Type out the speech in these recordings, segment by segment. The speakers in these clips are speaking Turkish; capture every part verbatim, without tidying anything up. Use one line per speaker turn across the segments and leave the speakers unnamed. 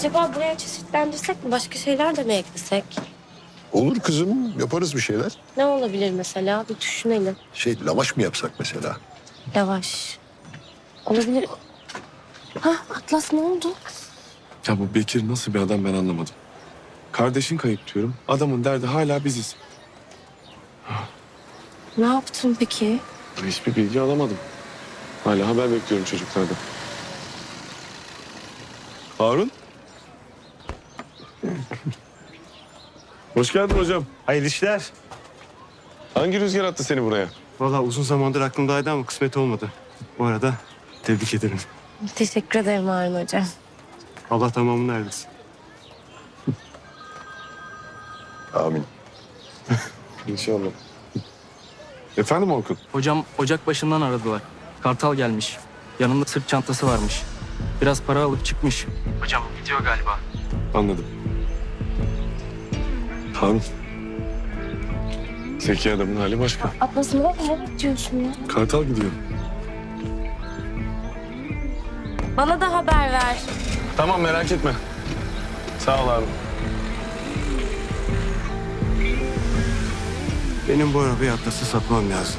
Acaba buraya çeşitlendirsek mi? Başka şeyler de mi eklesek?
Olur kızım, yaparız bir şeyler.
Ne olabilir mesela? Bir düşünelim.
Şey, lavaş mı yapsak mesela?
Yavaş. Olabilir. Ha, Atlas ne oldu?
Ya bu Bekir nasıl bir adam ben anlamadım. Kardeşin kayıp diyorum. Adamın derdi hala biziz.
Ne yaptın peki?
Hiçbir bilgi alamadım. Hala haber bekliyorum çocuklardan. Harun. Hoş geldin hocam.
Hayırlı işler.
Hangi rüzgar attı seni buraya?
Vallahi uzun zamandır aklımdaydı ama kısmet olmadı. Bu arada tebrik ederim.
Teşekkür ederim Harun Hocam.
Allah tamamını erdirsin.
Amin.
İnşallah. Efendim Orkun?
Hocam ocak başından aradılar. Kartal gelmiş. Yanında sırt çantası varmış. Biraz para alıp çıkmış. Hocam gidiyor galiba.
Anladım. Harun. Zeki adamın hali başka.
Atlas ne ne diyorsun ya?
Kartal gidiyor.
Bana da haber ver.
Tamam merak etme. Sağ ol Harun.
Benim bu arabayı Atlas'a satmam lazım.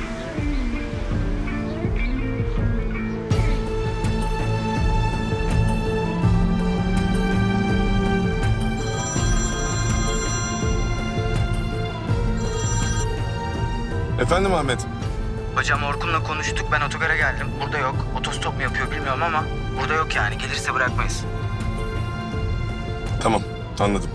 Efendim Ahmet.
Hocam Orkun'la konuştuk. Ben otogara geldim. Burada yok. Otostop mu yapıyor bilmiyorum ama burada yok yani. Gelirse bırakmayız.
Tamam anladım.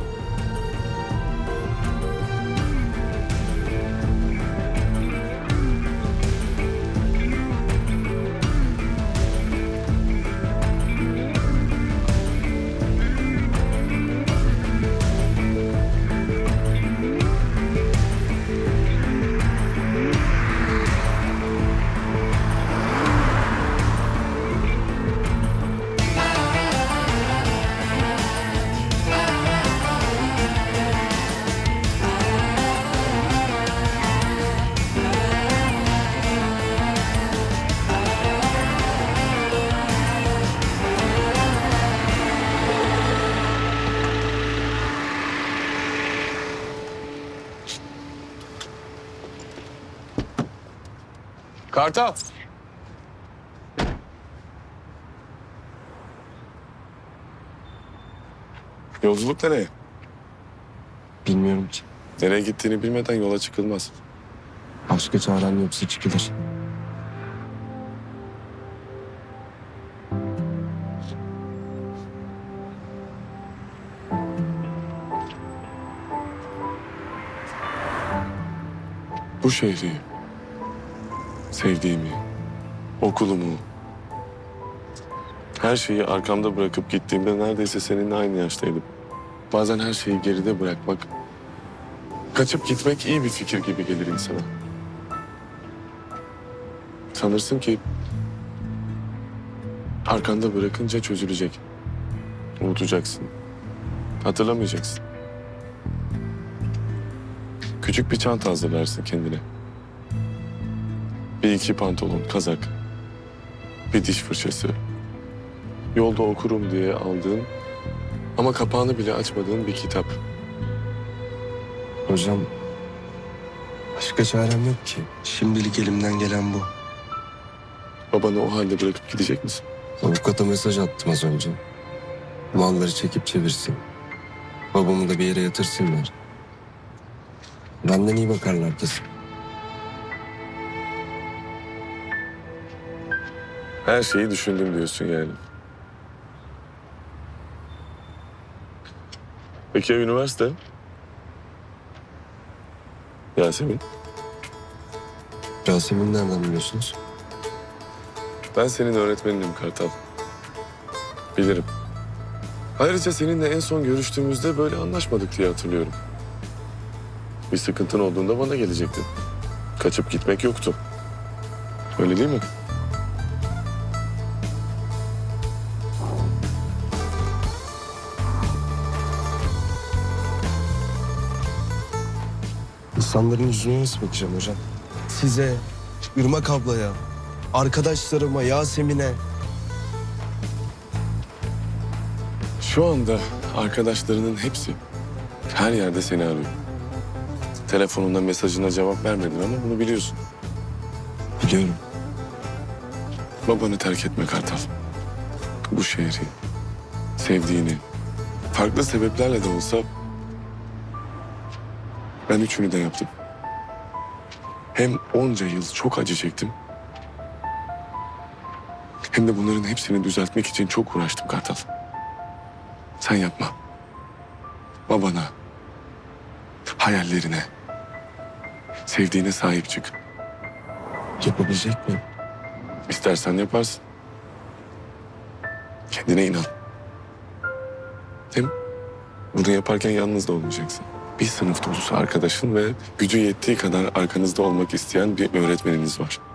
Kartal. Yolculuk nereye?
Bilmiyorum ki.
Nereye gittiğini bilmeden yola çıkılmaz.
Başka çarem yoksa çıkılır.
Bu şehri, sevdiğimi, okulumu, her şeyi arkamda bırakıp gittiğimde neredeyse seninle aynı yaştaydım. Bazen her şeyi geride bırakmak, kaçıp gitmek iyi bir fikir gibi gelir insana. Sanırsın ki arkanda bırakınca çözülecek. Unutacaksın. Hatırlamayacaksın. Küçük bir çanta hazırlarsın kendine. Bir iki pantolon, kazak, bir diş fırçası. Yolda okurum diye aldığın ama kapağını bile açmadığın bir kitap.
Hocam, başka çarem yok ki. Şimdilik elimden gelen bu.
Babanı o halde bırakıp gidecek misin?
Avukata mesaj attım az önce. Malları çekip çevirsin. Babamı da bir yere yatırsınlar. Benden iyi bakarlar kesin.
Her şeyi düşündüm diyorsun yani. Peki ya üniversite? Yasemin,
Yasemin nereden biliyorsunuz?
ben senin öğretmeninim Kartal. Bilirim. Ayrıca seninle en son görüştüğümüzde böyle anlaşmadık diye hatırlıyorum. Bir sıkıntın olduğunda bana gelecektin. Kaçıp gitmek yoktu. Öyle değil mi?
İnsanların yüzüne nasıl bakacağım hocam? Size, Irmak ablaya, arkadaşlarıma, Yasemin'e.
Şu anda arkadaşlarının hepsi her yerde seni arıyor. Telefonunda mesajına cevap vermedin ama bunu biliyorsun.
Biliyorum.
Babanı terk etme Kartal. Bu şehri, sevdiğini, farklı sebeplerle de olsa ben üçünü de yaptım. Hem onca yıl çok acı çektim. Hem de bunların hepsini düzeltmek için çok uğraştım Kartal. Sen yapma. Babana, hayallerine, sevdiğine sahip çık.
Yapabilecek miyim?
İstersen yaparsın. Kendine inan. Hem bunu yaparken yalnız da olmayacaksın. Bir sınıf dolusu arkadaşın ve gücü yettiği kadar arkanızda olmak isteyen bir öğretmeniniz var.